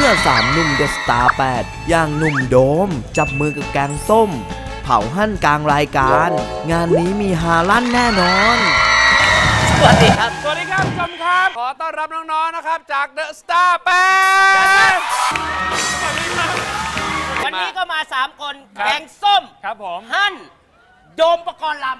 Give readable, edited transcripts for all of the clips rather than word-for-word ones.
มื่อ3หนุ่มเดอะสตาร์8อย่างหนุ่มโดมจับมือกับแกงส้มเผาหั่นกลางรายการงานนี้มีฮาลั่นแน่นอนสวัสดีครับสวัสดีครับผู้ชมครับขอต้อนรับน้องๆนะครับจากเดอะสตาร์8 วันนี้ก็มา3คนแกงส้มครับผมหั่นโดมปกรณ์ลำ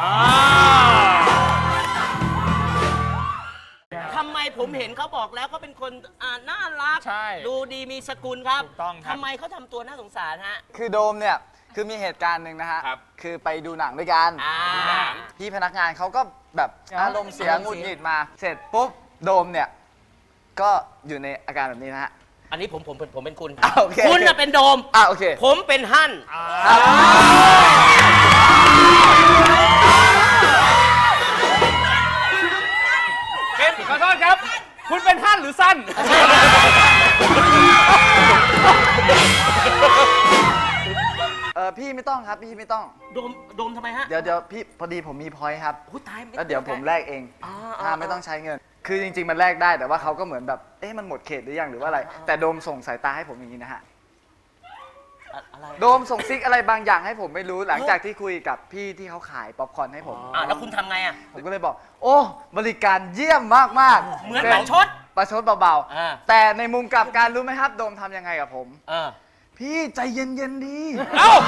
ทำไมผมเห็นเขาบอกแล้วเขาเป็นคนน่ารักใช่ดูดีมีสกุลครับถูกต้องครับทำไมเขาทำตัวน่าสงสารฮะคือโดมเนี่ยคือมีเหตุการณ์หนึ่งนะฮะครับคือไปดูหนังด้วยกัน พี่พนักงานเขาก็แบบอารมณ์เสียหงุดหงิดมา เสร็จปุ๊บโดมเนี่ยก็อยู่ในอาการแบบนี้นะฮะอันนี้ผมเป็นคุณโอเคคุณน่ะเป็นโดมโอเคผมเป็นหั่นเป็นขอโทษครับ คุณเป็นหั่นหรือสั้นพี่ไม่ต้องครับพี่ไม่ต้องโดมทำไมฮะเดี๋ยวพี่พอดีผมมีพอยต์ครับโอ้ตายไม่แล้วเดี๋ยวผมแลกเองไม่ต้องใช้เงิน คือจริงๆมันแลกได้แต่ว่าเขาก็เหมือนแบบมันหมดเขตหรือยังหรือว่าอะไร แต่โดมส่งสายตาให้ผมอย่างนี้นะฮะอะไรโดมส่งซิกอะไรบางอย่างให้ผมไม่รู้หลังจากที่คุยกับพี่ที่เขาขายป๊อปคอร์นให้ผมแล้วคุณทำไงอ่ะผมก็เลยบอก โอ้บริการเยี่ยมมากๆเหมือนประชดประชดเบาอ่าๆแต่ในมุมกลับการรู้ไหมครับ โดมทำยังไงกับผม พี่ใจเย็นๆดีเอ้า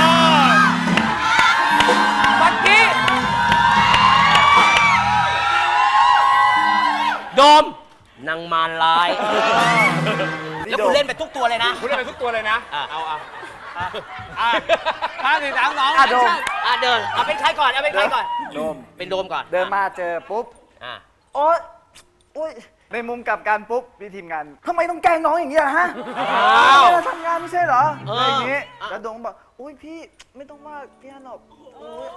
บักกี้โดมนางมารร้าย แล้วคุณเล่นไปทุกตัวเลยนะคุณได้ไปทุกตัวเลยนะ เอา5 4 3 2 โดมเดินเอาเป็นใครก่อนเอาเป็นใครก่อนโดมเป็นโดมก่อนเดินมาเจอปุ๊บอ่ะโอ๊ยโอ๊ยในมุมกลับการปุ๊บพี่ทีมงานทำไมต้องแกล้งน้องอย่างนี้อะฮะเราทำงานไม่ใช่เหรออะไรอย่างนี้แล้วโดมบอกอุ้ยพี่ไม่ต้องว่าพี่ฮันหรอกโอ๊ย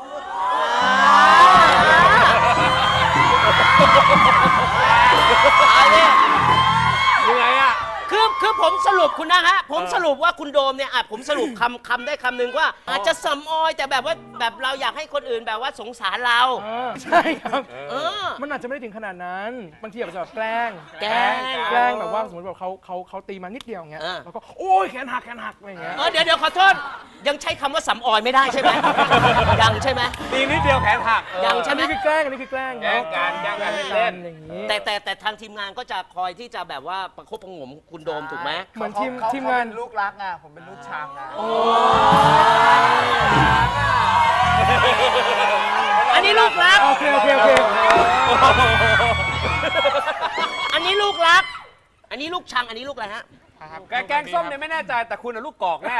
เอาดิยังไงอ่ะคือผมสรุปคุณนะฮะผมสรุปว่าคุณโดมเนี่ยผมสรุปคำได้คำหนึ่งว่า อาจจะสำออยแต่แบบว่าแบบเราอยากให้คนอื่นแบบว่าสงสารเราใช่ครับอมันอาจจะไม่ได้ถึงขนาดนั้น บางทีอาจจะแบบแกล้งแกล้งแบบว่าสมมติแบบเขาตีมานิดเดียวอย่างเงี้ยเออแล้วก็โอ้ยแขนหักอะไรอย่างเงี้ยเดี๋ยวขอโทษยังใช้คำว่าสำออยไม่ได้ใช่ไหมยังใช่ไหมตีนิดเดียวแขนหักยังใช่อันไหมนี้คือแกล้งอันนี้คือแกล้งแกล้งกันแกล้งกันเล่นอย่างนี้แต่ทางทีมงานก็จะคอยที่จะแบบว่าประคบประหงมคุณโดมถูกไหมเหมือนทีมเขางานเป็นลูกรักไงผมเป็นลูกชังไงอันนี้ลูกรักโอเคอันนี้ลูกรัก อันนี้ลูกชัง อันนี้ลูกอะไรฮะแกงส้มเนี่ยไม่แน่ใจแต่คุณน่ะลูกกอกแน่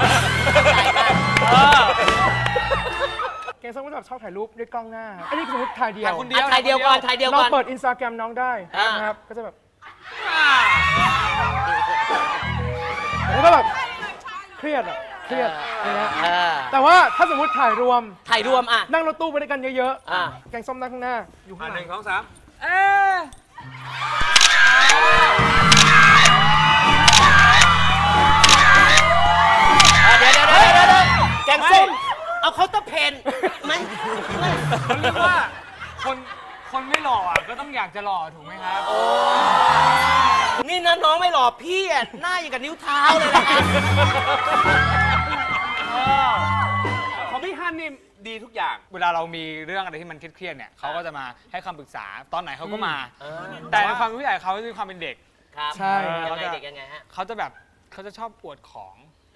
แกงส้มก็แบบชอบถ่ายรูปด้วยกล้องหน้า อันนี้คือสมมติถ่ายเดียวถ่ายคนเดียวถ่ายเดียวก่อนถ่ายเดียวเราก่อนเปิดอินสตาแกรมน้องได้อ่านนะครับ ก็จะแบบแล้วก็แบบเครียดอย่างเงี้ยแต่ว่าถ้าสมมติถ่ายรวมถ่ายรวมอ่ะนั่งรถตู้ไปด้วยกันเยอะอ่าแกงส้มนั่งข้างหน้า อยู่ข้างหลัง 1 2 3 เดี๋ยวแกงส้ม เอาเคาน์เตอร์เพนไหมผมเรียกว่าคนไม่หล่ออ่ะก็ต้องอยากจะหล่อถูกไหมครับนี่นะน้องไม่หล่อพี่อ่ะหน้าอย่างกับนิ้วเท้าเลยนะของพี่ฮันนี่ดีทุกอย่าง เวลาเรามีเรื่องอะไรที่มันเครียดๆเนี่ยเขาก็จะมาให้คำปรึกษาตอนไหนเขาก็มา แต่ในความเป็นผู้ใหญ่เขาจะมีความเป็นเด็กครับใช่ยังไงเด็กยังไงฮะเขาจะแบบเขาจะชอบอวดของ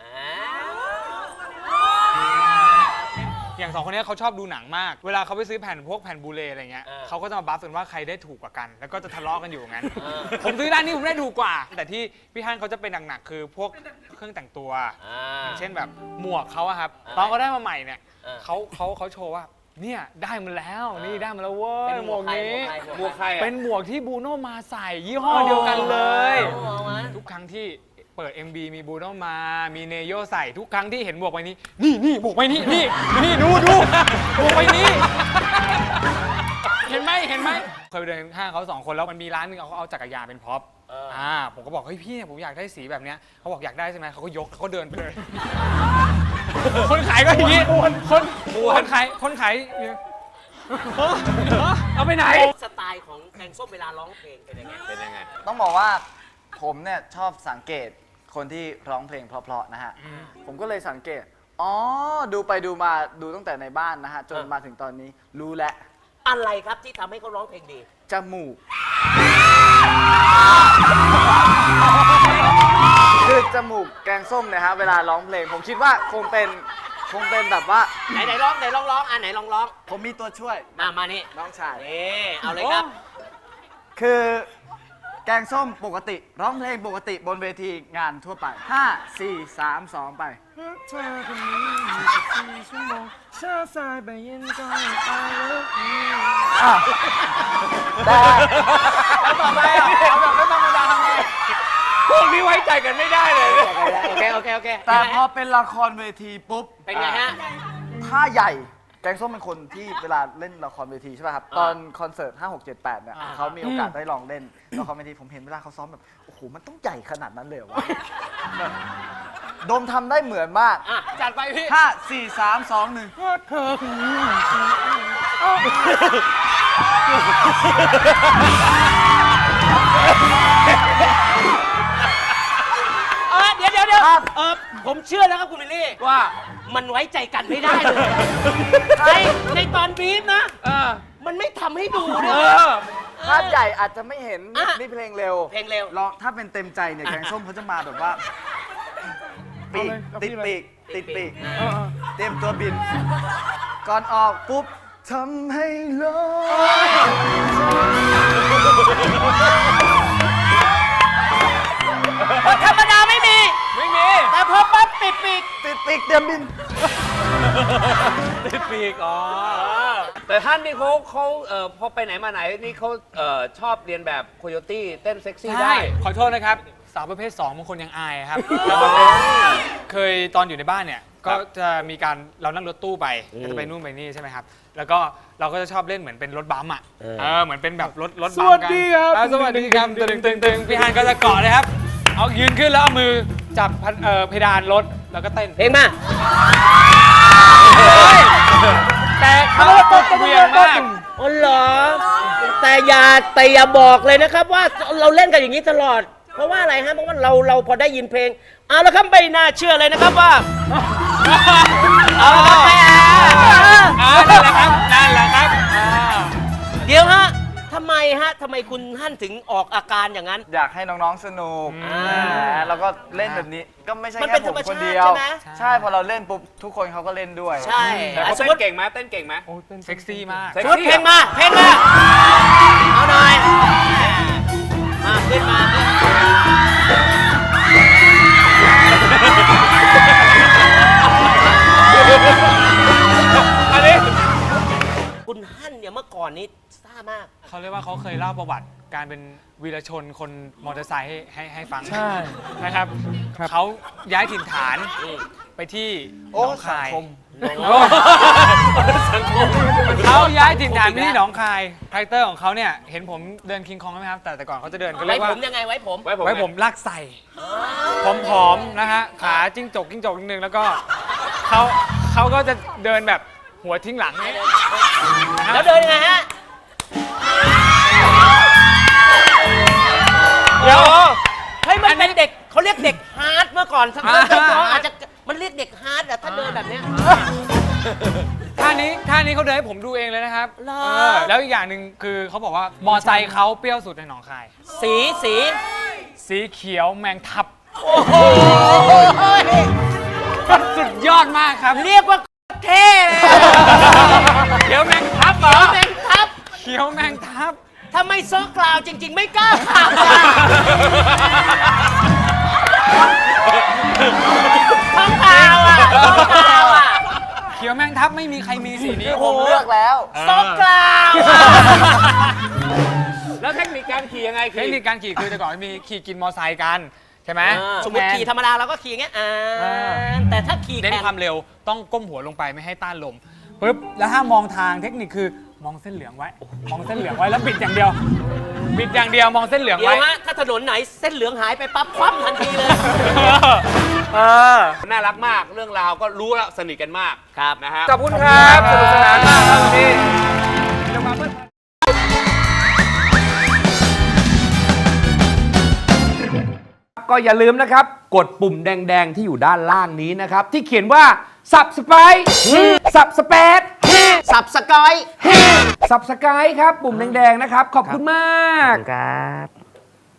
อย่างสองคนนี้เขาชอบดูหนังมาก เวลาเขาไปซื้อแผ่นพวกแผ่นบูเลอะไรเงี้ยเขาก็จะมาบัฟกันว่าใครได้ถูกกว่ากัน แล้วก็จะทะเลาะกันอยู่อย่างนั้น ผมซื้อร้านนี้ผมได้ถูกกว่า แต่ที่พี่ฮันเขาจะเป็นหนักๆคือพวกเครื่องแต่งตัวอย่างเช่นแบบหมวกเขาอะครับตอนเขาได้มาใหม่เนี่ยเขาโชว์ว่าเนี่ยได้มาแล้วนี่ได้มาแล้วเว้ยหมวกนี้หมวกใครเป็นหมวกที่บูโน่มาใส่ยี่ห้อเดียวกันเลย ทุกครั้งที่เปิด MB มีบูโน่มามีเนโยใส่ทุกครั้งที่เห็นหมวกใบนี้นี่หมวกใบนี้นี่ดูหมวกใบนี้ เห็นไหมเคยไปเดินห้างเขา2 คนแล้วมันมีร้านนึงเขาเอาจักรยานเป็นพ็อปผมก็บอกเฮ้ยพี่ผมอยากได้สีแบบเนี้ยเขาบอกอยากได้ใช่ไหมเขาก็ยกเขาเดินไปเลย คนขายก็อย่างนี้คนขายเอาไปไหนสไตล์ของแกงส้มเวลาร้องเพลงเป็นยังไงต้องบอกว่าผมเนี่ยชอบสังเกตคนที่ร้องเพลงเพราะๆนะฮะ ผมก็เลยสังเกต อ๋อ ดูไปดูมาดูตั้งแต่ในบ้านนะฮะ จนมาถึงตอนนี้รู้แล้วอะไรครับที่ทำให้เขาร้องเพลงดีจมูก คือจมูกแกงส้มเนี่ยฮะ เวลาร้องเพลง ผมคิดว่าคงเป็นแบบว่าไหนร้องไหนลองร้องอ่ะไหนลองร้องผมมีตัวช่วยมานี่น้องชายนี่เอาเลยครับคือแกงส้มปกติร้องเพลงปกติบนเวทีงานทั่วไป 5 4 3 2 ไปเธอคนนี้24 ชั่วโมงเช้าสายบ่ายเย็นก็ I love you แต่ต่อไปเอาแบบไม่ธรรมดาทำไงพวกนี้ไว้ใจกันไม่ได้เลยโอเคแต่พอเป็นละครเวทีปุ๊บเป็นไงฮะท่าใหญ่แกงส้มเป็นคนที่เวลาเล่นละครเวทีใช่ป่ะครับ ตอนคอนเสิร์ต 5 6 7 8 เนี่ยเขามีโอกาสได้ลองเล่นละครเวทีผมเห็นเวลาเขาซ้อมแบบ โอ้โห มันต้องใหญ่ขนาดนั้นเลยเหรอวะแบบโดมทำได้เหมือนมากอ่ะจัดไปพี่ 5 4 3 2 1 ว่าเธอคนนี้เดี๋ยวผมเชื่อนะครับคุณวิลลี่ว่ามันไว้ใจกันไม่ได้เลยในตอนบีฟนะ มันไม่ทำให้ดูด้วยภาพใหญ่อาจจะไม่เห็นอ่ะนี่เพลงเร็วเพลงเร็วลองถ้าเป็นเต็มใจเนี่ยแกงส้มเขาจะมาแบบว่าปีกติดปีกติดปีกเตรียมตัวบิน ก่อนออกปุ๊บทำให้โลกธรรมดาไม่มีไม่มีแต่พอปั๊บติดปีกติดปีกเตรียมบินติดปีกอ๋อแต่ท่านนี่เขาพอไปไหนมาไหนนี่เขาชอบเรียนแบบโคโยตี้เต้นเซ็กซี่ใช่ได้ขอโทษนะครับ สาวประเภท 2บางคนยังอายครับแล้วบางคนเคยตอนอยู่ในบ้านเนี่ย ก็จะมีการเรานั่งรถตู้ไปก็จะไปนู่นไปนี่ใช่ไหมครับ แล้วก็เราก็จะชอบเล่นเหมือนเป็นรถบัมอ่ะเหมือนเป็นแบบรถบัมกันสวัสดีครับสวัสดีครับตึงพี่ฮันก็จะเกาะเลยครับ เอายืนขึ้นแล้วเอามือจับเพดานรถแล้วก็เต้นเพลงมาแต่เขาเวียงมากอ๋อเหรอแต่อย่าบอกเลยนะครับว่าเราเล่นกันอย่างนี้ตลอด เพราะว่าอะไรฮะเพราะว่าเราพอได้ยินเพลงเอาละครับไม่น่าเชื่อเลยนะครับว่าเอาละครับไม่นั่นแหละครับนั่นแหละครับเดี๋ยวฮะทำไมคุณฮั่นถึงออกอาการอย่างนั้นอยากให้น้องๆสนุกแล้วก็เล่นแบบนี้ก็ไม่ใช่มันเป็แค่นผมธรรมคนชาติเดียวใช่ไหมใช่พอเราเล่นปุ๊บทุกคนเขาก็เล่นด้วยใช่แต่เขาสมเต้มนติเก่งไหมเต้นเก่งไหมเซ็กซี่มากเซ็กสมมติซี่เพลงมาเอาหน่อยมาขึ้นมาอันนี้คุณฮั่นเนี่ยเมื่อก่อนนี้ซ่ามากเขาเรียกว่าเขาเคยเล่าประวัติการเป็นวีรชนคนมอเตอร์ไซค์ให้ฟังใช่นะครับเขาย้ายถิ่นฐานไปที่หโอ้นองคายสังคมเขาย้ายถิ่นฐานไปที่หนองคายคาแรคเตอร์ของเขาเนี่ยเห็นผมเดินคิงคองไหมครับแต่ก่อนเขาจะเดินก็เรีไว้ยกว่าผมยังไงไว้ผมไว้ผมไว้ผมลากใส่ผอมๆนะฮะขาจิ้งจกนิดนึงแล้วก็เขาก็จะเดินแบบหัวทิ้งหลังเนี่ยแล้วเดินยังไงฮะเดี๋ยวเฮ้ยมันเป็นเด็กเขาเรียกเด็กฮาร์ดเมื่อก่อนสักพักน้องอาจจะมันเรียกเด็กฮาร์ดอะถ้าเดินแบบเนี้ยท่านี้เขาเดินให้ผมดูเองเลยนะครับเหรอแล้วอีกอย่างหนึ่งคือเขาบอกว่ามอไซค์เขาเปรี้ยวสุดในหนองคายสีสีเขียวแมงทับโอ้โหสุดยอดมากครับเรียกว่าเท่เลยเขียวแมงทับเหรอแมงทับเขียวแมงทับถ้าไม่โซกล่าวจริง ๆ ไม่กล้าขับอะท้องกล่าวอะท้องกล่าวอะเขียวแมงทับไม่มีใครมีสีนี้ผมเลือกแล้วโซกล่าวอะแล้วเทคนิคการขี่ยังไงเทคนิคการขี่คือแต่ก่อนมีขี่กินมอไซค์กันใช่ไหมสมมติขี่ธรรมดาเราก็ขี่อย่างเงี้ยแต่ถ้าขี่เน้นแข่งความเร็วต้องก้มหัวลงไปไม่ให้ต้านลมปุ๊บแล้วถ้ามองทางเทคนิคคือมองเส้นเหลืองไว้ มองเส้นเหลืองไว้แล้วบิดอย่างเดียว บิดอย่างเดียวมองเส้นเหลืองเดี๋ยไว้วฮะถ้าถนนไหนเส้นเหลืองหายไปปั๊บคว่ำทันทีเลยน่ารักมากเรื่องราวก็รู้แล้วสนิทกันมากครับนะฮะขอบคุณครับสนุกสนานมากครับวันนี้ก็อย่าลืมนะครับ กดปุ่มแดง ๆ ที่อยู่ด้านล่างนี้นะครับ ที่เขียนว่า Subscribe Subscribe สับสกอย Subscribe ครับ ปุ่มแดง ๆ นะครับ ขอบคุณมากครับ